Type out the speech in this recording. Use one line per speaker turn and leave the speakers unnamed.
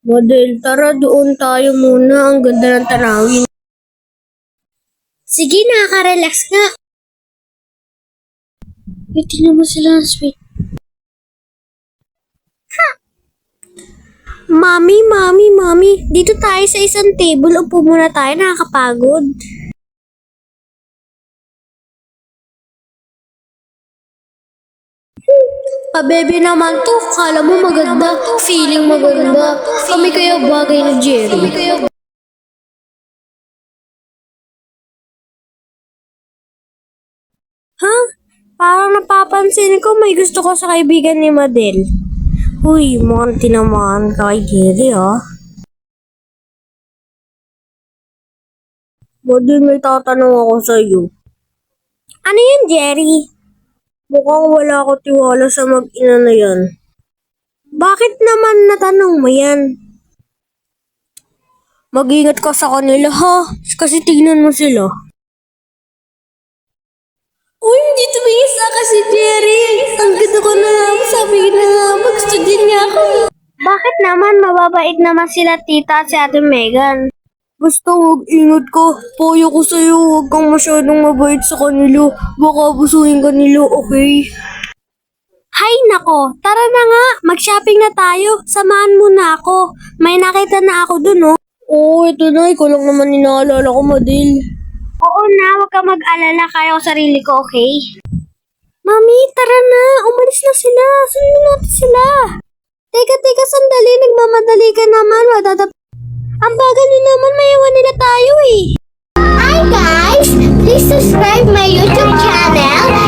Model, tara doon tayo muna. Ang ganda ng tanawin.
Sige, nakaka-relax nga.
Tingnan mo sila, sweet. Mami. Dito tayo sa isang table. Upo muna tayo, nakakapagod. Pabebe naman to. Kala mo maganda. Feeling maganda. Kami kaya bagay ni Jerry. Ha? Parang napapansin ko may gusto ko sa kaibigan ni Madel. Uy, mukhang tinamaan ka kay Jerry, ha? Madel, may tatanong ako sa'yo. Ano yun, Jerry? Mukhang wala ko tiwala sa mag-ina na yan. Bakit naman natanong mo yan? Mag-ingat ka sa kanila, ha? Kasi tignan mo sila. Uy, hindi tumingin sa akin si Jerry. Ang ganda ko na naman. Sabi na naman, gusto din niya ako. Bakit naman? Mababait naman sila tita at si ate Megan. Basta mag-ingat ka. Payo ko sa'yo, huwag kang masyadong mabait sa kanila. Baka abusuhin ka nila, okay? Hay nako, tara na nga. Mag-shopping na tayo. Samahan mo na ako. May nakita na ako dun, oh. Oo, ito na. Ikaw lang naman inaalala ko, Madil. Oo na, huwag ka mag-alala. Kaya ko sarili ko, okay? Mami, tara na. Umalis na sila. Sundan natin sila. Teka, sandali. Nagmamadali ka naman. Ang bagal nyo naman. Maiwan nila tayo, eh.
Hi guys! Please subscribe my YouTube channel